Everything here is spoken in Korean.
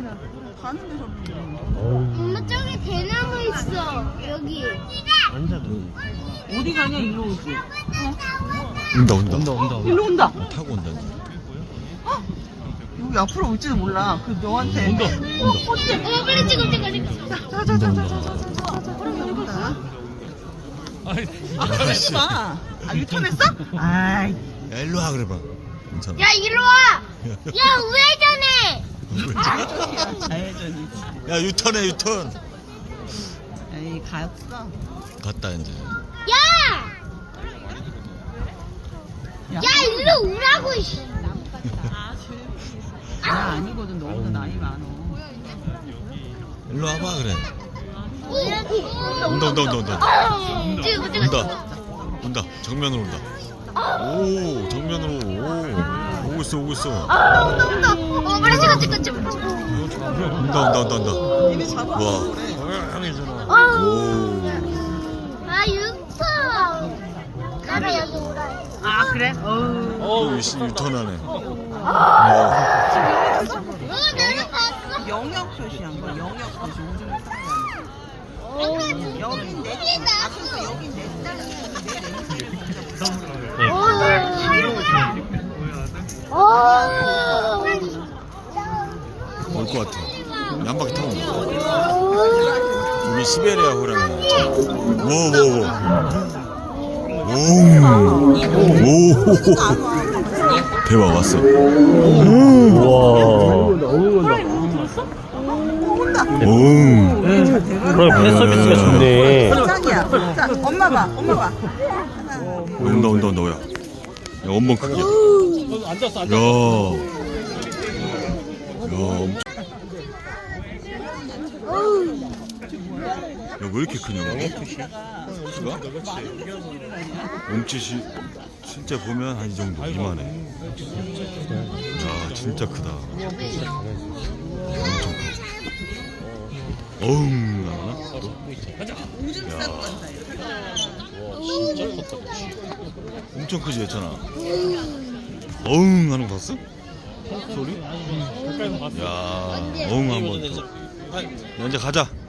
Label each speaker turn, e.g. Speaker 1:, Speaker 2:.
Speaker 1: 가는데 저기.
Speaker 2: 엄마 저기 대나무 있어. 여기.
Speaker 3: 앉아.
Speaker 1: 어디 가냐 일로 오지.
Speaker 3: 온다.
Speaker 1: 일로 온다.
Speaker 3: 타고 온다.
Speaker 1: 여기 앞으로 올지도 몰라. 그 너한테.
Speaker 3: 온다.
Speaker 2: 엄마 빨리 찍어.
Speaker 1: 자자자자자자자자자. 온다. 하지 마. 아 유턴했어? 아이.
Speaker 3: 야, 일로 와 그래봐. 괜찮아.
Speaker 2: 야 이리 와. 야 우회전해.
Speaker 1: 자회전이.
Speaker 3: 야, 유턴해, 유턴.
Speaker 1: 에이 갔어.
Speaker 3: 갔다 이제.
Speaker 2: 야. 야 일로 오라고. 이씨.
Speaker 1: 나 아니거든. 너보다 나이 많어.
Speaker 3: 일로 와봐 그래.
Speaker 2: 온다.
Speaker 3: 온다.
Speaker 2: 찍어.
Speaker 3: 온다. 정면으로 온다. 오, 정면으로. 오고 있어.
Speaker 2: 온다. 빨리 찍어.
Speaker 3: 온다.
Speaker 1: 이미 잡아.
Speaker 3: 와. 오.
Speaker 2: 아 유턴. 나도 여기 오라.
Speaker 1: 아 그래? 어우.
Speaker 3: 유턴하네.
Speaker 2: 내가 봤어.
Speaker 1: 영역 표시한 거야. 영역 표시. 오줌을 여긴 내 앞에서 여긴 내
Speaker 3: 올 것 같아. 한 바퀴 타고 온다. 우리 시베리아 호랑이. 오. 대박 왔어.
Speaker 4: 그럼 배 서비스가 좋네.
Speaker 1: 짱이야. 자, 엄마 봐.
Speaker 3: 온다. 야, 원본 크기야.
Speaker 4: 앉았어.
Speaker 3: 야, 엄청. 야, 왜 이렇게 크냐? 키가? 몸짓이 진짜 보면 한 이 정도 이만해. 야, 진짜 크다. 엄청 커. 나나?
Speaker 1: 오줌 싸고 간다.
Speaker 3: 엄청 크지 했잖아. 하는 거 봤어? 소리? 야, 한번 더. 야, 이제 가자.